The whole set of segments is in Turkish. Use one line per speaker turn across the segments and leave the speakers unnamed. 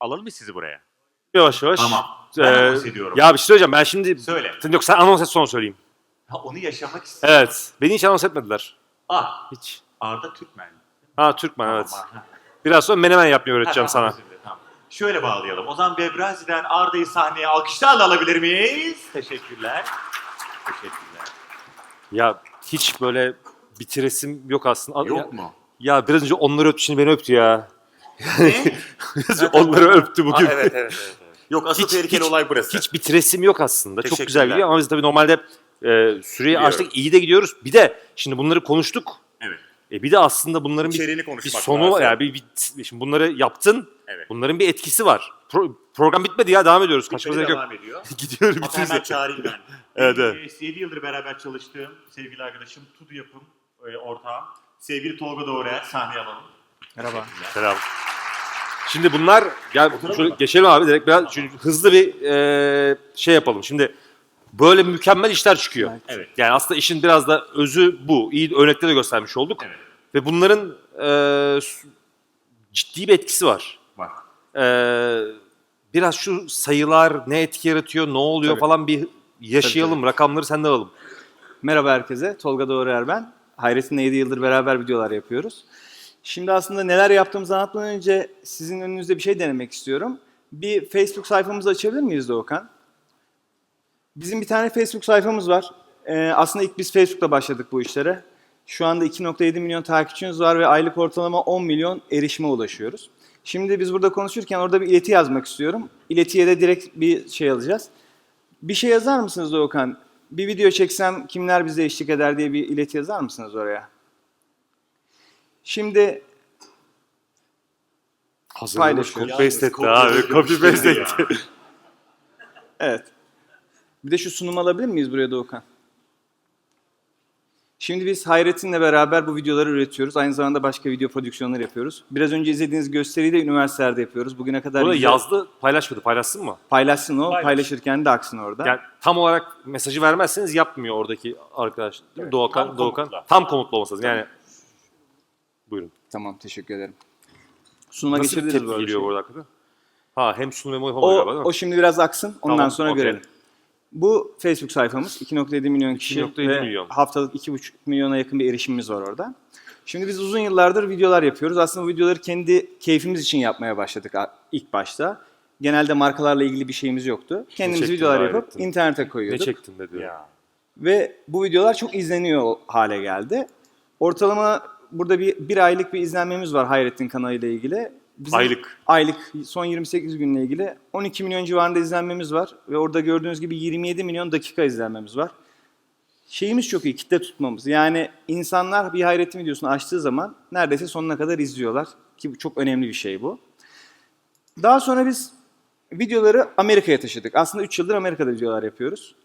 Alalım mı sizi buraya?
Yavaş yavaş.
Tamam. Ben anons ediyorum.
Ya bir şey söyleyeceğim. Ben şimdi...
Söyle.
Yok sen anons et sonra söyleyeyim.
Ha, onu yaşamak istiyorum.
Evet. Beni hiç anons etmediler. Hiç.
Arda Türkmen.
Türkmen evet.
Tamam.
Biraz sonra menemen yapmayı öğreteceğim sana.
Tamam. Şöyle bağlayalım. O zaman Webrazi'den Arda'yı sahneye alkışlarla alabilir miyiz? Teşekkürler. Teşekkürler.
Ya hiç böyle bitiresim yok aslında.
Yok mu?
Ya biraz önce onları öptü, şimdi beni öptü ya.
Ne?
Biraz önce onları öptü bugün.
Evet. Yok, asıl tehlikeli olay burası.
Hiç bitiresim yok aslında. Çok güzel
Teşekkürler.
gidiyor ama biz tabii normalde süreyi
Biliyorum.
açtık, iyi de gidiyoruz. Bir de şimdi bunları konuştuk.
Evet.
Bir de aslında bunların
İçeriğini
bir
konuşmak
sonu
lazım.
var. Yani şimdi bunları yaptın.
Evet.
Bunların bir etkisi var. Program bitmedi ya, devam ediyoruz. Kaçmamıza gerek yok.
Devam ediyor.
Gidiyoruz.
Hatta hemen çağırayım ben.
Evet.
7 yıldır beraber çalıştığım sevgili arkadaşım, Tudu Yapım ortağım. Sevgili Tolga Doğru'ya sahneye alalım.
Merhaba.
Selam. Şimdi bunlar, gel şöyle
mı?
geçelim abi direkt biraz hızlı bir şey yapalım. Şimdi böyle mükemmel işler çıkıyor.
Evet.
Yani aslında işin biraz da özü bu. İyi örnekleri de göstermiş olduk.
Evet.
Ve bunların ciddi bir etkisi var.
Var.
Biraz şu sayılar ne etki yaratıyor, ne oluyor
Tabii.
falan bir yaşayalım. Rakamları senden alalım.
Merhaba herkese. Tolga Doğruer ben. Hayrettin'le 7 yıldır beraber videolar yapıyoruz. Şimdi aslında neler yaptığımızı anlatmadan önce sizin önünüzde bir şey denemek istiyorum. Bir Facebook sayfamızı açabilir miyiz Doğukan? Bizim bir tane Facebook sayfamız var. Aslında ilk biz Facebook'ta başladık bu işlere. Şu anda 2.7 milyon takipçimiz var ve aylık ortalama 10 milyon erişime ulaşıyoruz. Şimdi biz burada konuşurken orada bir ileti yazmak istiyorum. İletiye de direkt bir şey alacağız. Bir şey yazar mısınız Doğukan? Bir video çeksem kimler bize eşlik eder diye bir ileti yazar mısınız oraya? Şimdi paylaşıyoruz.
Copy paste etti
Yalnız
abi. Copy paste
ya.
etti.
Evet. Bir de şu sunumu alabilir miyiz buraya Doğukan? Şimdi biz Hayrettin'le beraber bu videoları üretiyoruz. Aynı zamanda başka video prodüksiyonları yapıyoruz. Biraz önce izlediğiniz gösteriyi de üniversitelerde yapıyoruz. Bugüne kadar
Burada
güzel-
yazdı, paylaşmadı. Paylaşsın mı?
paylaşsın o,
Paylaş.
paylaşırken de aksın orada.
Yani tam olarak mesajı vermezseniz yapmıyor oradaki arkadaş. Değil mi?
Evet.
Doğukan,
Tam
Doğukan.
komutla.
Tam komutlu olması lazım. Yani buyurun.
Tamam, teşekkür ederim. Sunuma
Nasıl bir
geçebiliriz
tepki
böyle bir
geliyor
şey.
bu arada hakikaten? Hem sunum hem yapamadı galiba değil mi?
O şimdi biraz aksın, ondan
Tamam,
sonra
okey.
görelim. Bu Facebook sayfamız 2.7 milyon kişi
2.7
ve
milyon.
haftalık 2,5 milyona yakın bir erişimimiz var orada. Şimdi biz uzun yıllardır videolar yapıyoruz. Aslında bu videoları kendi keyfimiz için yapmaya başladık ilk başta. Genelde markalarla ilgili bir şeyimiz yoktu. Kendimiz
çektin
videolar
gayret
yapıp
ettin?
internete
Ne
koyuyorduk.
çektin de diyor.
Ya.
Ve bu videolar çok izleniyor hale geldi. Ortalama burada bir aylık bir izlenmemiz var Hayrettin kanalıyla ilgili. Bizim Aylık son 28 günle ilgili 12 milyon civarında izlenmemiz var. Ve orada gördüğünüz gibi 27 milyon dakika izlenmemiz var. Şeyimiz çok iyi, kitle tutmamız. Yani insanlar bir Hayrettin videosunu açtığı zaman neredeyse sonuna kadar izliyorlar. Ki bu çok önemli bir şey bu. Daha sonra biz videoları Amerika'ya taşıdık. Aslında 3 yıldır Amerika'da videolar yapıyoruz.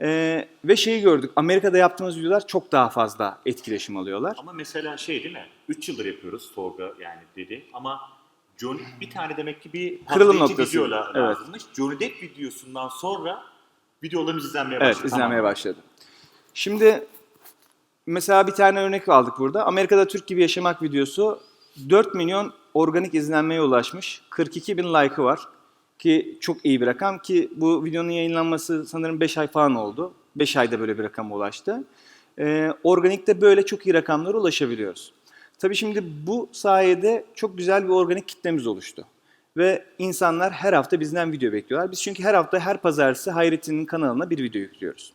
Ve şeyi gördük, Amerika'da yaptığımız videolar çok daha fazla etkileşim alıyorlar.
Ama mesela şey değil mi? 3 yıldır yapıyoruz Tolga yani dedi ama Johnny bir tane demek ki bir
Kırılım
patlayıcı
noktası.
video
Evet.
lazımmış. Johnny Depp videosundan sonra videolarımız izlenmeye başladı.
Evet, izlenmeye
Tamam.
başladı. Şimdi mesela bir tane örnek aldık burada. Amerika'da Türk gibi yaşamak videosu 4 milyon organik izlenmeye ulaşmış. 42 bin like'ı var. Ki çok iyi bir rakam ki bu videonun yayınlanması sanırım 5 ay falan oldu. 5 ayda böyle bir rakama ulaştı. Organikte böyle çok iyi rakamlara ulaşabiliyoruz. Tabii şimdi bu sayede çok güzel bir organik kitlemiz oluştu. Ve insanlar her hafta bizden video bekliyorlar. Biz çünkü her hafta her pazartesi Hayrettin'in kanalına bir video yüklüyoruz.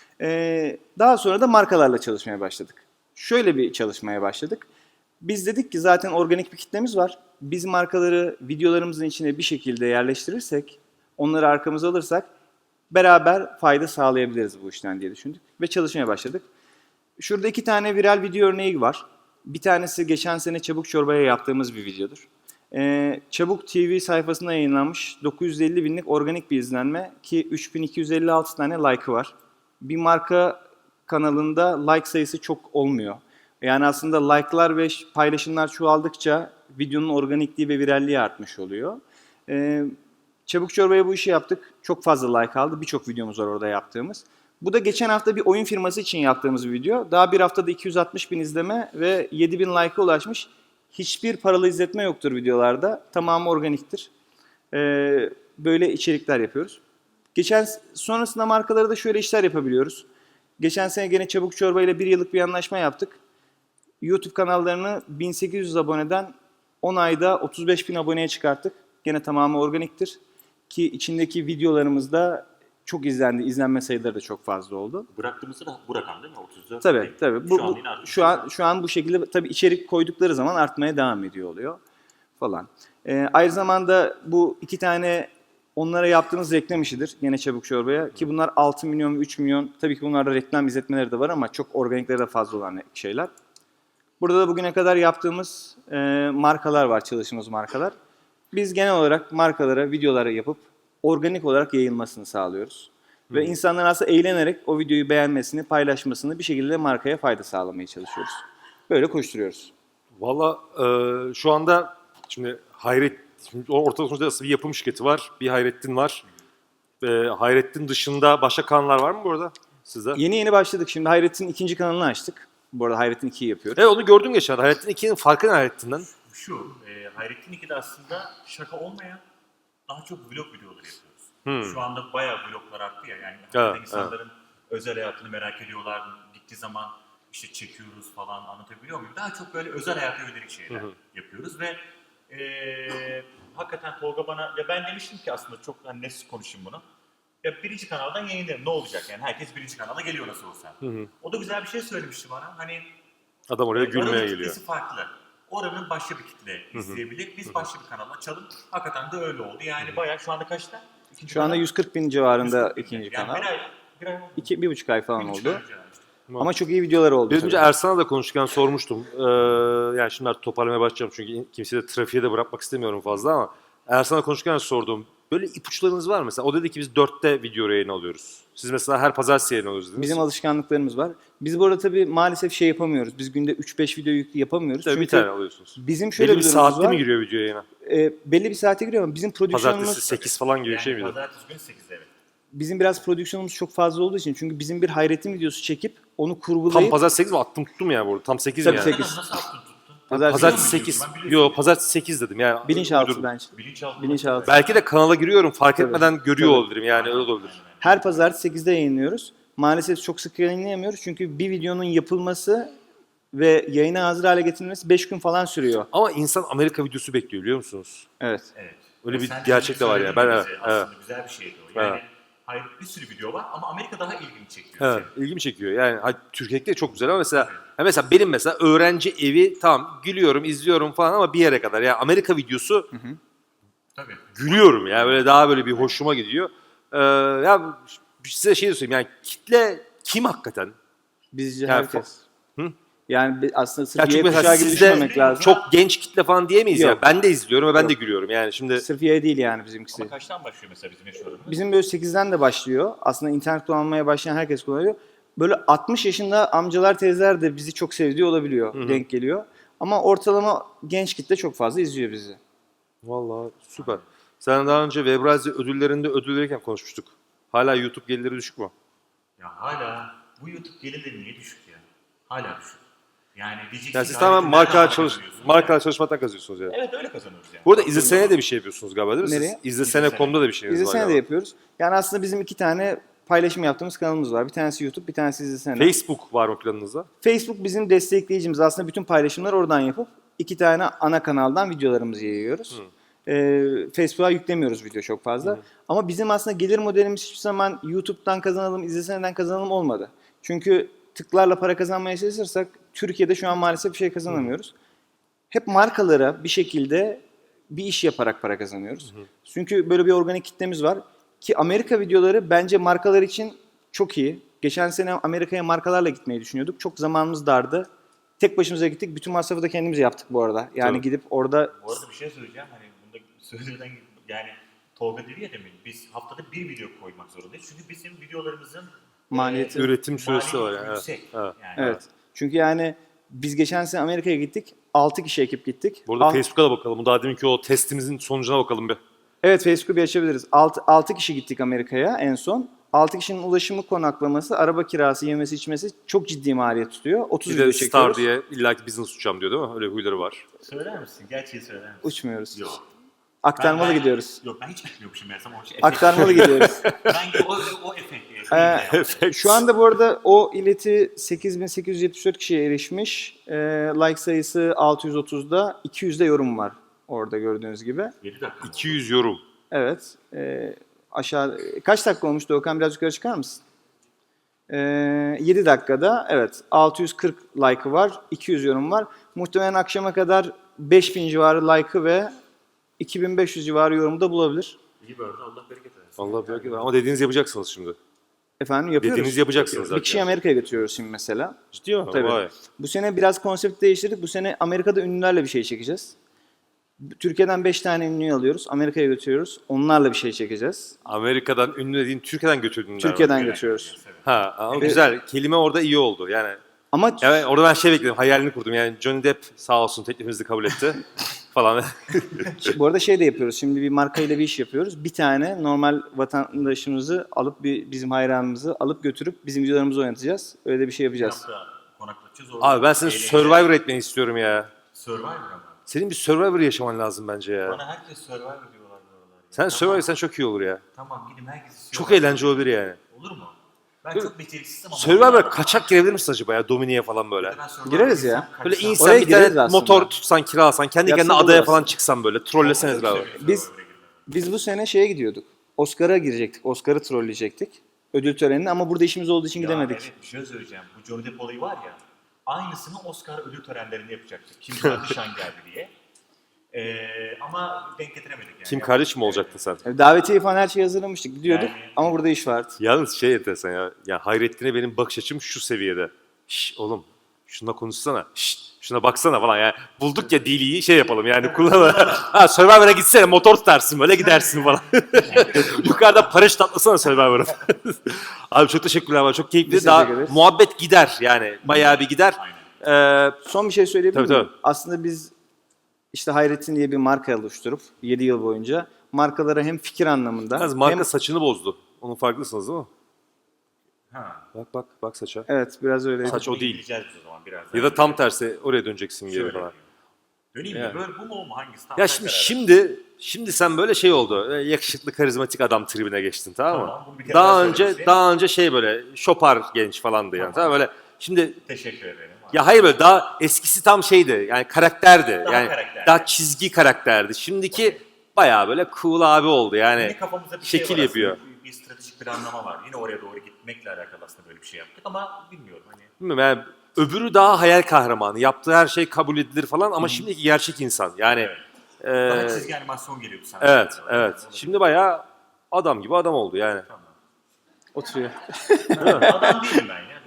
Daha sonra da markalarla çalışmaya başladık. Şöyle bir çalışmaya başladık. Biz dedik ki zaten organik bir kitlemiz var. Biz markaları videolarımızın içine bir şekilde yerleştirirsek, onları arkamıza alırsak beraber fayda sağlayabiliriz bu işten diye düşündük. Ve çalışmaya başladık. Şurada 2 tane viral video örneği var. Bir tanesi geçen sene Çabuk Çorba'ya yaptığımız bir videodur. Çabuk TV sayfasında yayınlanmış 950 binlik organik bir izlenme ki 3256 tane like'ı var. Bir marka kanalında like sayısı çok olmuyor. Yani aslında like'lar ve paylaşımlar çoğaldıkça videonun organikliği ve viralliği artmış oluyor. Çabuk Çorba'ya bu işi yaptık. Çok fazla like aldı. Birçok videomuz var orada yaptığımız. Bu da geçen hafta bir oyun firması için yaptığımız bir video. Daha bir haftada 260 bin izleme ve 7 bin like'a ulaşmış. Hiçbir paralı izletme yoktur videolarda. Tamamı organiktir. Böyle içerikler yapıyoruz. Sonrasında markalara da şöyle işler yapabiliyoruz. Geçen sene gene Çabuk Çorba ile 1 yıllık bir anlaşma yaptık. YouTube kanallarını 1800 aboneden 10 ayda 35.000 aboneye çıkarttık. Gene tamamı organiktir. Ki içindeki videolarımız da çok izlendi. İzlenme sayıları da çok fazla oldu.
Bıraktığımızda da bu rakam değil mi? 34.
Tabii.
Şu an yine artık.
Şu an bu şekilde tabii içerik koydukları zaman artmaya devam ediyor oluyor falan. Aynı zamanda bu 2 tane onlara yaptığımız reklam işidir. Yine Çabuk Çorba'ya. Ki bunlar 6 milyon ve 3 milyon. Tabii ki bunlarda reklam izletmeleri de var ama çok organikleri de fazla olan şeyler. Burada da bugüne kadar yaptığımız markalar var, çalıştığımız markalar. Biz genel olarak markalara videoları yapıp organik olarak yayılmasını sağlıyoruz. Ve insanların aslında eğlenerek o videoyu beğenmesini, paylaşmasını bir şekilde markaya fayda sağlamaya çalışıyoruz. Böyle koşturuyoruz.
Valla şu anda şimdi ortada sonuçta nasıl bir yapım şirketi var. Bir Hayrettin var. Hayrettin dışında başka kanallar var mı bu arada sizde?
Yeni başladık. Şimdi Hayrettin'in 2. kanalını açtık. Bu arada Hayrettin 2'yi yapıyoruz.
Evet, onu gördüm geçen. Hayrettin 2'nin farkı ne Hayrettin'den?
Şu, Hayrettin 2'de aslında şaka olmayan daha çok vlog videoları yapıyoruz. Şu anda bayağı vloglar arttı ya. Yani
Evet,
insanların özel hayatını merak ediyorlar. Gittiği zaman işte çekiyoruz falan, anlatabiliyor muyum? Daha çok böyle özel hayata yönelik şeyler yapıyoruz ve hakikaten Tolga bana, ya ben demiştim ki aslında çok hani net konuşayım bunu. Ya 1. kanaldan yayınlarım, ne olacak yani, herkes 1. kanala geliyor nasıl olsa. O da güzel bir şey söylemişti bana. Hani
Adam oraya gülmeye
oranın
geliyor.
kitlesi farklı. Oranın başka bir kitle izleyebilir. Biz başka bir kanal açalım. Hakikaten de öyle oldu. Yani bayağı şu anda kaçta?
Şu anda 140.000 civarında
140.000.
ikinci
Yani
kanal.
bir ay oldu.
1,5 ay falan
1,5
oldu.
ay önce yani işte.
Ama çok iyi videolar oldu.
Biraz önce
tabii.
Ersan'a da konuşurken sormuştum. Yani şimdi artık toparlamaya başlayacağım çünkü kimseyi de trafiğe de bırakmak istemiyorum fazla ama Ersan'a konuşurken sordum. Böyle ipuçlarınız var mı? Mesela o dedi ki biz 4'te video yayın alıyoruz. Siz mesela her pazartesi yayın alıyoruz dediniz.
Bizim alışkanlıklarımız var. Biz bu arada tabii maalesef şey yapamıyoruz. Biz günde 3-5 video yapamıyoruz.
Tabii
Çünkü
bir tane alıyorsunuz.
bizim şöyle
Belli bir
durumumuz
saatte
var.
mi giriyor video yayına?
Belli bir saate giriyor ama bizim prodüksiyonumuz...
Pazartesi 8 falan gibi bir şey miydi?
Pazartesi günü 8'de evet.
Bizim biraz prodüksiyonumuz çok fazla olduğu için. Çünkü bizim bir Hayrettin videosu çekip onu
Tam
kurgulayıp...
pazartesi 8 mi? Attım tuttum ya burada. Tam 8 mi
Tabii
yani?
8.
Nasıl attın tuttun?
Pazartesi
Biliyor
8.
musun? Ben biliyorum.
Yok pazartesi 8 dedim yani.
Bilinçaltı
uydurdum.
bence.
Bilinçaltı.
Bilinçaltı.
Belki de kanala giriyorum fark
Tabii.
etmeden görüyor
Tabii.
olabilirim yani öyle olabilir.
Her pazartesi 8'de yayınlıyoruz. Maalesef çok sık yayınlayamıyoruz. Çünkü bir videonun yapılması ve yayına hazır hale getirilmesi 5 gün falan sürüyor.
Ama insan Amerika videosu bekliyor biliyor musunuz?
Evet.
Evet.
Öyle bir
Sen
gerçek de var ya.
söyledin
Ben
bize.
evet.
Aslında güzel bir şeydi o. Yani
Evet.
hayır, bir sürü video var ama Amerika daha ilgimi çekiyor.
Evet, ilgimi çekiyor. Yani Türkiye'de çok güzel ama mesela benim mesela öğrenci evi tamam gülüyorum, izliyorum falan ama bir yere kadar. Yani Amerika videosu
Tabii.
gülüyorum ya böyle daha böyle bir hoşuma gidiyor. Ya size şey de söyleyeyim yani kitle kim hakikaten?
Bizce
Yani
herkes.
Hı?
Yani aslında
Ya
sırf
çünkü
Y
mesela
kuşağı gibi
sizde
düşünmemek lazım.
çok genç kitle falan diyemeyiz ya.
Yok.
Ben de izliyorum ve ben de
Yok.
gülüyorum yani şimdi.
Sırf Y değil yani bizimkisi.
Ama kaçtan başlıyor mesela bizim yaşlarımız?
Bizim böyle 8'den de başlıyor. Aslında internet kullanmaya başlayan herkes kullanıyor. Böyle 60 yaşında amcalar teyzeler de bizi çok sevdiği olabiliyor. Denk geliyor. Ama ortalama genç kitle çok fazla izliyor bizi.
Vallahi süper. Sen daha önce Webrazi ödüllerinde ödül verirken konuşmuştuk. Hala YouTube gelirleri düşük mü?
Ya hala bu YouTube gelirleri niye düşük ya? Hala düşük. Yani diyeceksin
Yani
ki
siz tamamen
Hayrettin nereden kazanıyorsun?
markalar çalışmaktan kazanıyorsunuz yani.
Evet öyle kazanıyoruz yani.
Bu arada izlesene de bir şey yapıyorsunuz galiba değil mi?
Nereye?
Siz izlesene.com'da da bir şeyiniz var
İzlesene de
galiba.
yapıyoruz. Yani aslında bizim 2 tane paylaşım yaptığımız kanalımız var. Bir tanesi YouTube, bir tanesi İzlesene.
Facebook var mı planınızda?
Facebook bizim destekleyicimiz. Aslında bütün paylaşımları oradan yapıp 2 tane ana kanaldan videolarımızı yayıyoruz. Facebook'a yüklemiyoruz video çok fazla. Ama bizim aslında gelir modelimiz hiçbir zaman YouTube'dan kazanalım, İzlesene'den kazanalım olmadı. Çünkü tıklarla para kazanmaya çalışırsak Türkiye'de şu an maalesef bir şey kazanamıyoruz. Hep markalara bir şekilde bir iş yaparak para kazanıyoruz. Çünkü böyle bir organik kitlemiz var. Ki Amerika videoları bence markalar için çok iyi. Geçen sene Amerika'ya markalarla gitmeyi düşünüyorduk. Çok zamanımız dardı. Tek başımıza gittik. Bütün masrafı da kendimiz yaptık bu arada. Yani
Tabii.
gidip orada...
Bu arada bir şey söyleyeceğim. Hani bunda söyleden yani Tolga dedi ya demin biz haftada bir video koymak zorundayız. Çünkü bizim videolarımızın
Maliyeti.
Üretim süresi var
maliyeti
yani.
yüksek.
Evet.
Yani
Evet. Çünkü yani biz geçen sene Amerika'ya gittik. 6 kişi ekip gittik.
Burada Facebook'a da bakalım. Bu daha deminki o testimizin sonucuna bakalım bir.
Evet, Facebook'u bir açabiliriz. 6 kişi gittik Amerika'ya en son. 6 kişinin ulaşımı, konaklaması, araba kirası, yemesi, içmesi çok ciddi maliyet tutuyor. 30
Bir
video
de
çekiyoruz.
Star diye illaki business uçacağım diyor değil mi? Öyle huyları var.
söyler misin? Gerçeği söyler misin?
Uçmuyoruz.
Yok.
Aktarmalı gidiyoruz.
Yok ben hiç gitmiyormuşum meğersem o şey.
Aktarmalı gidiyoruz.
Ben o efekti.
Şu anda bu arada o ileti 8874 kişiye erişmiş. Like sayısı 630'da, 200'de yorum var orada gördüğünüz gibi.
7 dakika.
200 yorum.
Evet. Aşağı kaç dakika olmuş Doğukan, biraz yukarı çıkar mısın? 7 dakikada evet 640 like'ı var, 200 yorum var. Muhtemelen akşama kadar 5000 civarı like'ı ve 2500 civarı yorumu da bulabilir.
İyi böyle Allah bereket versin.
Allah belki ama dediğiniz yapacaksınız şimdi.
Efendim yapıyoruz.
Dediğiniz yapacaksınız
Bir
zaten.
kişiyi Amerika'ya götürüyoruz şimdi mesela.
Ciddi mi?
Tabii.
Vay.
Bu sene biraz konsept değiştirdik. Bu sene Amerika'da ünlülerle bir şey çekeceğiz. Türkiye'den 5 tane ünlüyü alıyoruz. Amerika'ya götürüyoruz. Onlarla bir şey çekeceğiz.
Amerika'dan ünlü dediğin Türkiye'den götürdün.
Türkiye'den götürüyoruz.
Ha ama güzel. Kelime orada iyi oldu. Yani
Ama
evet, orada ben şey bekledim. Hayalini kurdum. Yani Johnny Depp sağ olsun teklifimizi kabul etti. falan.
bu arada şey de yapıyoruz. Şimdi bir markayla bir iş yapıyoruz. Bir tane normal vatandaşımızı alıp bizim hayranımızı alıp götürüp bizim videolarımızı oynatacağız. Öyle de bir şey yapacağız.
Konaklatacağız orada.
Abi ben seni
Eğlenceli.
Survivor etmeni istiyorum ya.
Survivor ama.
Senin bir Survivor yaşaman lazım bence ya.
Bana herkes Survivor diyorlar. Ya.
Sen Survivor sen çok iyi olur ya.
Tamam gidin herkes
Çok eğlenceli olabilir yani.
Olur mu? Ben çok beceriksizim ama.
Survivor'a kaçak girebilir misin acaba ya? Domine'ye falan böyle.
Gireriz ya.
Böyle
Oraya
insan bir
gireriz
tane
aslında.
motor tutsan kiralasan kendi kendine
Yapsa
adaya
buluruz.
falan çıksan böyle trolleseniz abi.
Biz bu sene şeye gidiyorduk. Oscar'a girecektik. Oscar'ı trolleyecektik. Ödül törenine ama burada işimiz olduğu için gidemedik.
Evet bir şey söyleyeceğim. Bu Johnny Depp olayı var ya. Aynısını Oscar ödül törenlerinde yapacaktık. Kim Kardashian geldi diye. Ama denk getiremedik yani.
Kim kardeş mi olacaktın sen?
Yani davetiye falan her şeyi hazırlamıştık. Gidiyorduk
Yani-
ama burada iş vardı.
Yalnız şey enteresan ya. Ya Hayrettin'e benim bakış açım şu seviyede. Şş oğlum şuna konuşsana. Şş şuna baksana falan yani. Bulduk ya diliyi şey yapalım yani kullanalım. Ha Survivor'a gitsene motor tutarsın böyle gidersin falan. Yukarıda paraşüt atlasana Survivor'a. Abi çok teşekkürler abi. Çok keyifli.
Biz
Daha
teşekkür ederiz.
muhabbet gider yani. Bayağı bir gider.
Son bir şey söyleyebilir
Tabii,
miyim?
tabii.
Aslında biz işte Hayrettin diye bir marka oluşturup 7 yıl boyunca markalara hem fikir anlamında
Yalnız marka
hem
saçını bozdu. Onun farklısınız değil mi?
Ha.
Bak saça.
evet biraz öyle.
Saç o değil.
Gideceğiz biz o zaman biraz.
Ya da tam tersi oraya döneceksin geri
Şöyle
falan.
yapayım. Döneyim
Yani.
mi? Böyle bu mu o mu? Hangisi? Tam
Ya
sen
şimdi
karar ver.
şimdi sen böyle şey oldu. Yakışıklı karizmatik adam tribine geçtin tamam mı?
Tamam, bunu bir kere
Daha
daha
önce
söylemişsin.
daha önce şey böyle şopar genç falandı yani. Tamam böyle şimdi
Teşekkür ederim.
ya hayır böyle daha eskisi tam şeydi. Yani karakterdi.
Daha
yani
karakterdi.
daha çizgi karakterdi. Şimdiki bayağı böyle cool abi oldu. Yani
Yine kafamızda bir şey
şekil
var
yapıyor.
aslında. Bir stratejik planlama var. Yine oraya doğru gitmekle alakalı aslında böyle bir şey yaptık ama bilmiyorum hani.
Bilmiyorum yani öbürü daha hayal kahramanı. Yaptığı her şey kabul edilir falan ama şimdiki gerçek insan. Yani
Evet. Daha
eee,
çizgi animasyon geliyordu sana.
evet evet. Şimdi bayağı adam gibi adam oldu yani.
Tamam.
Oturuyor.
Adam değilim ben ya.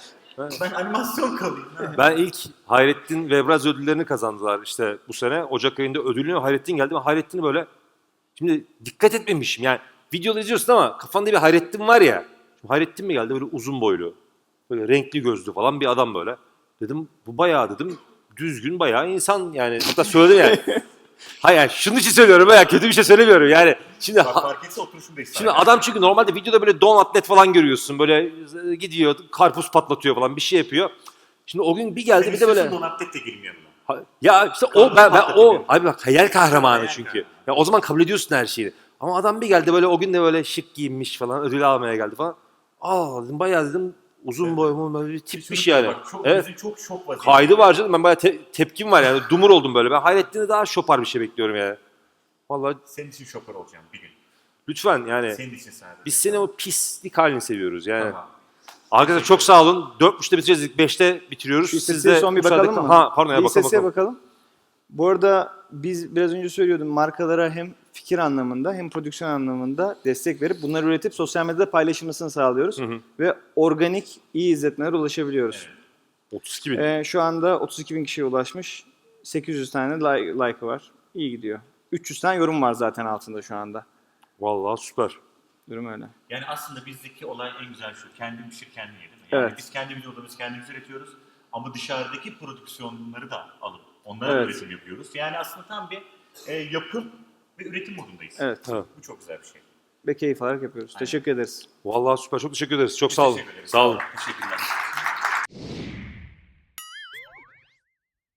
Ben animasyon kalayım. Ha.
Ben ilk Hayrettin ve Ebraz ödüllerini kazandılar işte bu sene. Ocak ayında ödülünü Hayrettin geldi. Ben Hayrettin'i böyle şimdi dikkat etmemişim. Yani videoda izliyorsun ama kafanda bir Hayrettin var ya. Şimdi Hayrettin mi geldi böyle uzun boylu. Böyle renkli gözlü falan bir adam böyle. Dedim bu bayağı dedim düzgün bayağı insan yani. Hatta söyledim yani. Hayır yani şunun için söylüyorum ya kötü bir şey söylemiyorum yani. Şimdi
Bak fark etse oturuşum da
Şimdi adam çünkü normalde videoda böyle don atlet falan görüyorsun. Böyle gidiyor, karpuz patlatıyor falan bir şey yapıyor. Şimdi o gün bir geldi bir de böyle...
Donatlet de gelin yanına.
Ya işte o
Karpuz
ben o
patlatıyor.
abi bak hayal kahramanı
Hayal
çünkü.
kahramanı.
Ya o zaman kabul ediyorsun her şeyi. Ama adam bir geldi böyle o gün de böyle şık giyinmiş falan ödül almaya geldi falan. Aa dedim bayağı dedim uzun boylu böyle bir tipmiş
Şunu
yani.
bak, çok,
Evet.
bizim çok şok vaziyette.
Kaydı var canım ben bayağı tepkim var yani dumur oldum böyle. Ben Hayrettin'e daha şopar bir şey bekliyorum yani. Vallahi
Senin için şoför olacağım bir gün.
lütfen yani.
Senin için sadece.
Biz seni o pislik halini seviyoruz yani.
Tamam.
Arkadaşlar çok sağ olun. 4.30'da bitireceğiz. 5'te bitiriyoruz.
Bir
Siz
istatistiğe
de
son bir
müsaade-
bakalım mı?
Ha pardon ya
Bir
bakalım
istatistiğe
bakalım.
bakalım. Bu arada biz biraz önce söylüyordum markalara hem fikir anlamında hem prodüksiyon anlamında destek verip bunları üretip sosyal medyada paylaşılmasını sağlıyoruz. Ve organik iyi izletmelere ulaşabiliyoruz.
32 bin.
Şu anda 32 bin kişiye ulaşmış. 800 tane like'ı var. İyi gidiyor. 300 tane yorum var zaten altında şu anda.
Vallahi süper.
Durum öyle.
Yani aslında bizdeki olay en güzel şu. Kendin pişir kendin ye değil mi? Yani
Evet.
biz kendi videolarımızı kendimiz üretiyoruz. Ama dışarıdaki prodüksiyonları da alıp onlara
Evet.
üretim yapıyoruz. Yani aslında tam bir yapım ve üretim modundayız.
Evet.
Evet.
Bu çok güzel bir şey.
Ve keyif alarak yapıyoruz. Teşekkür ederiz.
Vallahi süper. Çok teşekkür ederiz. Çok
Biz
sağ olun.
teşekkür ederiz.
Sağ olun.
Teşekkürler.